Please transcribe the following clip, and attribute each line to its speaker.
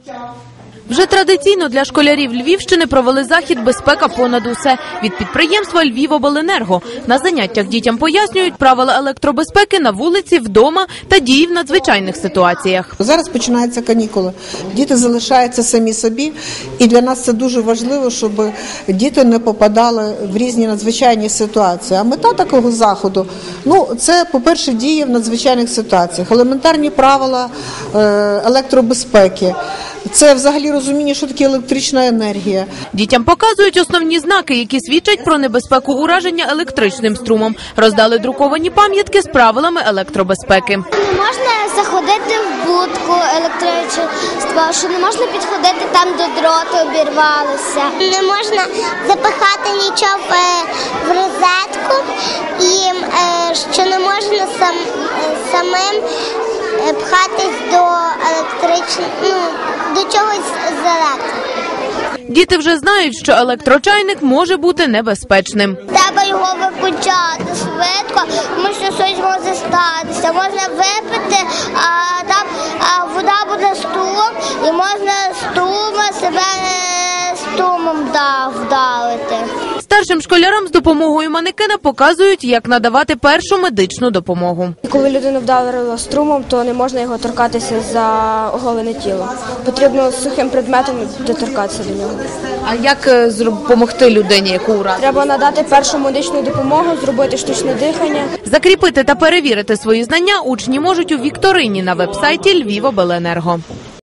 Speaker 1: Вже традиційно для школярів Львівщини провели захід «Безпека понад усе» від підприємства «Львівобленерго». На заняттях дітям пояснюють правила електробезпеки на вулиці, вдома та дії в надзвичайних ситуаціях.
Speaker 2: Зараз починаються канікули. Діти залишаються самі собі. І для нас це дуже важливо, щоб діти не попадали в різні надзвичайні ситуації. А мета такого заходу – це, по-перше, дії в надзвичайних ситуаціях. Елементарні правила електробезпеки. Це взагалі розуміння, що таке електрична енергія.
Speaker 1: Дітям показують основні знаки, які свідчать про небезпеку ураження електричним струмом. Роздали друковані пам'ятки з правилами електробезпеки.
Speaker 3: Не можна заходити в будку електричества, що не можна підходити там, де дроти обірвалися. Не можна запихати нічого в розетку і що не можна самим пхатись до до чогось з електрики.
Speaker 1: Діти вже знають, що електрочайник може бути небезпечним.
Speaker 3: Треба його виключати швидко, тому що щось може статися. Можна випити, а там вода буде струм, і можна себе струмом вдавити.
Speaker 1: Старшим школярам з допомогою манекена показують, як надавати першу медичну допомогу.
Speaker 4: Коли людину вдарило струмом, то не можна його торкатися за оголене тіло. Потрібно сухим предметом доторкатися до нього.
Speaker 1: А як допомогти людині, яку уразили?
Speaker 4: Треба надати першу медичну допомогу, зробити штучне дихання.
Speaker 1: Закріпити та перевірити свої знання учні можуть у вікторині на веб-сайті Львівобленерго.